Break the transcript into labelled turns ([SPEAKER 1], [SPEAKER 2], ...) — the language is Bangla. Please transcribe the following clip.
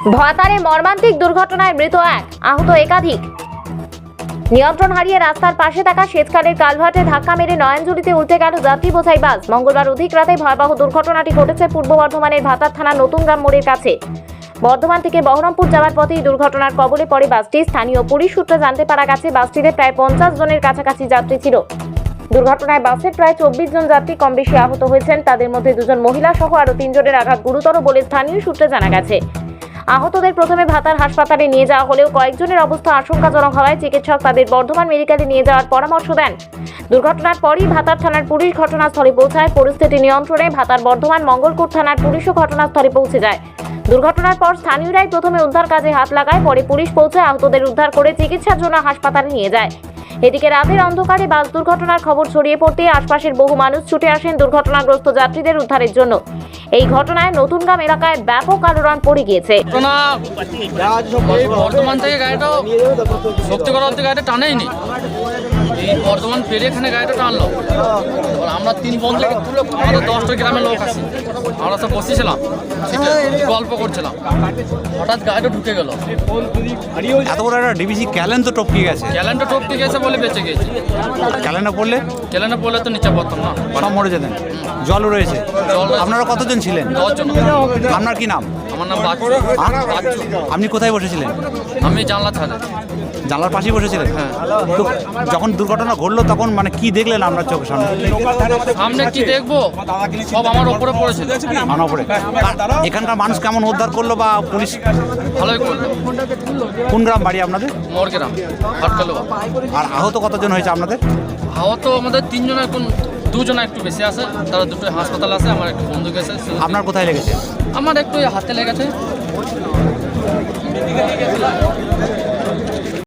[SPEAKER 1] ভাতারে মর্মান্তিক দুর্ঘটনায় মৃত এক, আহত একাধিক। নিয়ন্ত্রণ হারিয়ে রাস্তার পাশে থাকা সেচখালের কালভার্টে ধাক্কা মেরে নয়নজুলিতে উল্টে গেল যাত্রী বোঝাই বাস। মঙ্গলবার অধিক রাতে ভয়াবহ দুর্ঘটনাটি ঘটেছে পূর্ব বর্ধমানের ভাতার থানার নতুন গ্রাম মোড়ের কাছে। বর্ধমান থেকে বহরমপুর যাওয়ার পথে এই দুর্ঘটনার কবলে পড়ে বাসটি। স্থানীয় পুলিশ সূত্রে জানতে পারা গেছে বাসটিতে প্রায় 50 জনের কাছাকাছি যাত্রী ছিল। দুর্ঘটনায় বাসের প্রায় 24 জন যাত্রী কম বেশি আহত হয়েছেন। তাদের মধ্যে 2 জন মহিলা সহ আরো 3 জনের আঘাত গুরুতর বলে স্থানীয় সূত্রে জানা গেছে। আহতদের প্রথমে ভাতার হাসপাতালে নিয়ে যাওয়া হলেও কয়েকজনের অবস্থা আশঙ্কাজনক হওয়ায় চিকিৎসক তাদের বর্ধমান মেডিকেলে নিয়ে যাওয়ার পরামর্শ দেন। দুর্ঘটনার পরই ভাতার থানার পুলিশ ঘটনাস্থলে পৌঁছায়। পরিস্থিতি নিয়ন্ত্রণে ভাতার বর্ধমান মঙ্গলকোট থানার পুলিশও ঘটনাস্থলে পৌঁছে যায়। দুর্ঘটনার পর স্থানীয়রাই প্রথমে উদ্ধার কাজে হাত লাগায়, পরে পুলিশ পৌঁছায় আহতদের উদ্ধার করে চিকিৎসার জন্য হাসপাতালে নিয়ে যায়। এদিকে রাতের অন্ধকারে বাস দুর্ঘটনার খবর ছড়িয়ে পড়তেই আশপাশের বহু মানুষ ছুটে আসেন দুর্ঘটনাগ্রস্ত যাত্রীদের উদ্ধারের জন্য। এই ঘটনায় নতুনগ্রাম এলাকায় ব্যাপক আলোড়ন পড়ে গিয়েছে।
[SPEAKER 2] বর্ধমান থেকে গাড়িটা শক্তিগড় থেকে গাড়িটা টানেইনি, এই বর্ধমান পেরে এখানে গাড়িটা টানলো। আমরা 3 বন্ধুকে তুলে, আমাদের 10টা গ্রামের লোক আছে, আমরা সব বসেছিলাম, গল্প করছিলাম, হঠাৎ গাড়িটা ঢুকে গেল।
[SPEAKER 3] এত বড় একটা ডিবিসি ক্যালেন তো টপকে গেছে।
[SPEAKER 2] ক্যালেন্ডার টপকে গেছে বলে বেঁচে গেছে।
[SPEAKER 3] ক্যালেন্ডার
[SPEAKER 2] পড়লে তো নিচে পড়তাম না,
[SPEAKER 3] সব মরে যেতেন। জলও রয়েছে। আপনারা কতজন ছিলেন?
[SPEAKER 2] 10 জন।
[SPEAKER 3] আপনার কি নাম?
[SPEAKER 2] আমার নাম বাচ্চু।
[SPEAKER 3] আপনি কোথায় বসেছিলেন?
[SPEAKER 2] আমি জানলা ছাদে।
[SPEAKER 3] জানলার পাশেই বসেছিলেন?
[SPEAKER 2] হ্যাঁ।
[SPEAKER 3] তো যখন দুর্ঘটনা ঘটলো তখন মানে কি দেখলেন আপনার চোখের সামনে?
[SPEAKER 2] সামনে কি দেখবো, সব আমার ওপরে পড়েছিল।
[SPEAKER 3] আমার উপরে। এখানকার মানুষ কেমন উদ্ধার করলো বা পুলিশ?
[SPEAKER 2] ভালোই করলো।
[SPEAKER 3] কোন গ্রাম বাড়ি আপনাদের?
[SPEAKER 2] মোর গ্রাম হটকালো।
[SPEAKER 3] আর আহত কতজন হয়েছে আপনাদের?
[SPEAKER 2] আহত আমাদের 3 জন, এখন 2 জন একটু বেশি আছে, তারা দুটো হাসপাতাল আছে। আমার একটু বন্ধু গেছে।
[SPEAKER 3] আপনার কোথায় লেগেছে?
[SPEAKER 2] আমার একটু হাতে লেগেছে।